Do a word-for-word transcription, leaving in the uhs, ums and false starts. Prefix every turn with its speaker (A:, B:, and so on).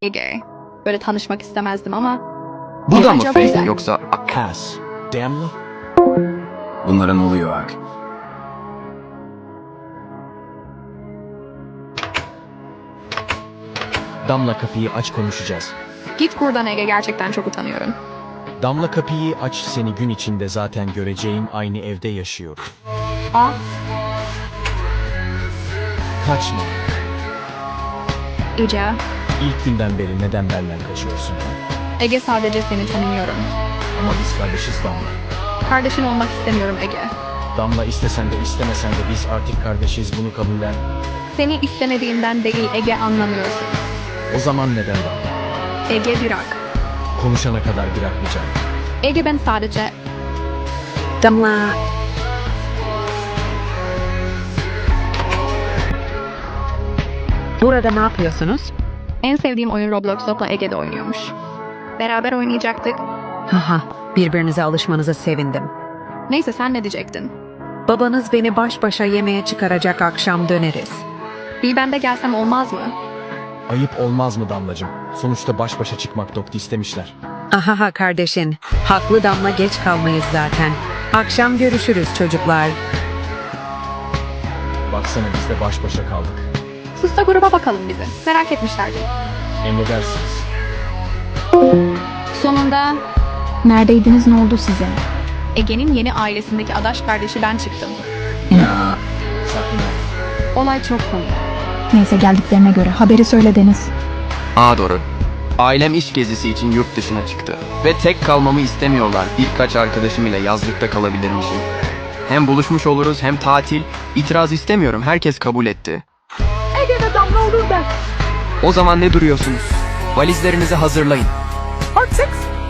A: Ege. Böyle tanışmak istemezdim ama...
B: Bu da mı
A: Acaba
B: fake
A: güzel.
B: yoksa
C: Pass. Damla.
B: bunlara ne oluyor Hak?
C: Damla kapıyı aç, konuşacağız.
A: Git buradan Ege, gerçekten çok utanıyorum.
C: Damla kapıyı aç, seni gün içinde zaten göreceğim, aynı evde yaşıyorum.
A: Aa,
C: Kaçma.
A: Ece.
C: İlk günden beri neden benden kaçıyorsun?
A: Ege, sadece seni tanımıyorum.
C: Ama biz kardeşiz Damla.
A: Kardeşin olmak istemiyorum Ege.
C: Damla, istesen de istemesen de biz artık kardeşiz, bunu kabullen.
A: Seni istemediğimden değil Ege, anlamıyorsun.
C: O zaman neden Damla?
A: Ege, bırak.
C: Konuşana kadar bırakmayacağım.
A: Ege, ben sadece...
D: Damla. Burada ne yapıyorsunuz?
A: En sevdiğim oyun Roblox'la Ege'de oynuyormuş. Beraber oynayacaktık.
D: Haha, birbirinize alışmanıza sevindim.
A: Neyse, sen ne diyecektin?
D: Babanız beni baş başa yemeğe çıkaracak, akşam döneriz.
A: Bir ben de gelsem olmaz mı?
C: Ayıp olmaz mı Damlacığım? Sonuçta baş başa çıkmak doktu istemişler.
D: Ahaha kardeşin, haklı Damla, geç kalmayız zaten. Akşam görüşürüz çocuklar.
C: Baksana, biz de baş başa kaldık.
A: Sus da gruba bakalım bizi. Merak etmişlerdi.
C: Emredersiniz.
A: Sonunda
E: Neredeydiniz, ne oldu size?
A: Ege'nin yeni ailesindeki adaş kardeşi ben çıktım.
B: Ya
C: Sakın ol.
A: Olay çok komik.
E: Neyse, geldiklerine göre haberi söyle Deniz.
B: Aa doğru. Ailem iş gezisi için yurt dışına çıktı. Ve tek kalmamı istemiyorlar. Birkaç arkadaşım ile yazlıkta kalabilirmişim. Hem buluşmuş oluruz hem tatil. İtiraz istemiyorum. Herkes kabul etti.
A: Ege'de Damla olur ben.
B: O zaman ne duruyorsunuz? Valizlerinizi hazırlayın.
A: Artık